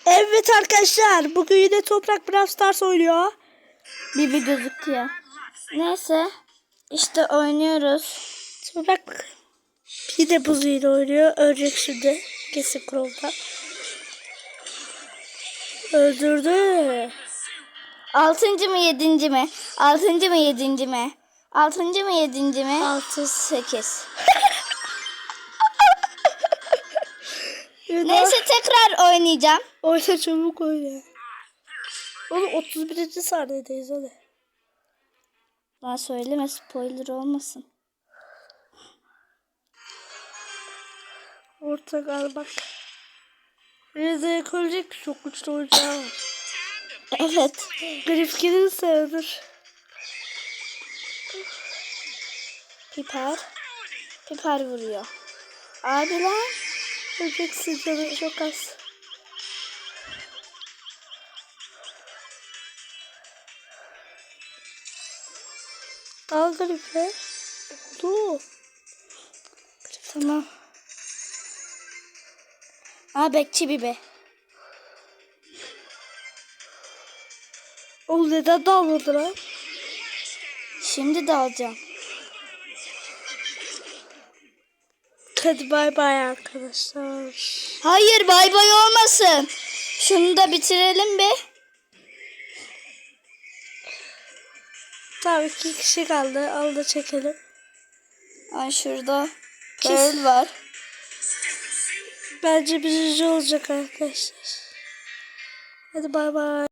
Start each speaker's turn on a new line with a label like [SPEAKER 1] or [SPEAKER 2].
[SPEAKER 1] Evet arkadaşlar, bugün yine Toprak Brawl Stars oynuyor.
[SPEAKER 2] Bir gözüküyor. Neyse. İşte oynuyoruz.
[SPEAKER 1] Toprak bir de buzuyla oynuyor. Ölecek şimdi. Kesin Crow'da. Öldürdü.
[SPEAKER 2] 6. mı 7. mi? 6. mı 7. mi? 6. mı 7. mi?
[SPEAKER 1] 6.
[SPEAKER 2] 8.
[SPEAKER 1] Evet,
[SPEAKER 2] Neyse tekrar oynayacağım.
[SPEAKER 1] oyna çabuk oyna. Oğlum 31. saniyedeyiz hadi.
[SPEAKER 2] Daha söyleme, spoiler olmasın.
[SPEAKER 1] Orta gal bak. Reza'ya koyacak çok güçlü oyuncağı var.
[SPEAKER 2] Evet.
[SPEAKER 1] Grifkin'in sayılır.
[SPEAKER 2] Piper vuruyor. Abi lan.
[SPEAKER 1] Öleceksin canım çok az. Al Grife. Oldu.
[SPEAKER 2] Tamam. Bekçi Bibi.
[SPEAKER 1] Oğlum neden dalmadı lan?
[SPEAKER 2] Şimdi de alacağım.
[SPEAKER 1] Hadi bay bay arkadaşlar.
[SPEAKER 2] Hayır, bay bay olmasın. Şunu da bitirelim be.
[SPEAKER 1] Tamam 2 kişi kaldı. Al da çekelim.
[SPEAKER 2] Ay şurada Pearl var.
[SPEAKER 1] Bence birinci olacak arkadaşlar. Hadi bay bay.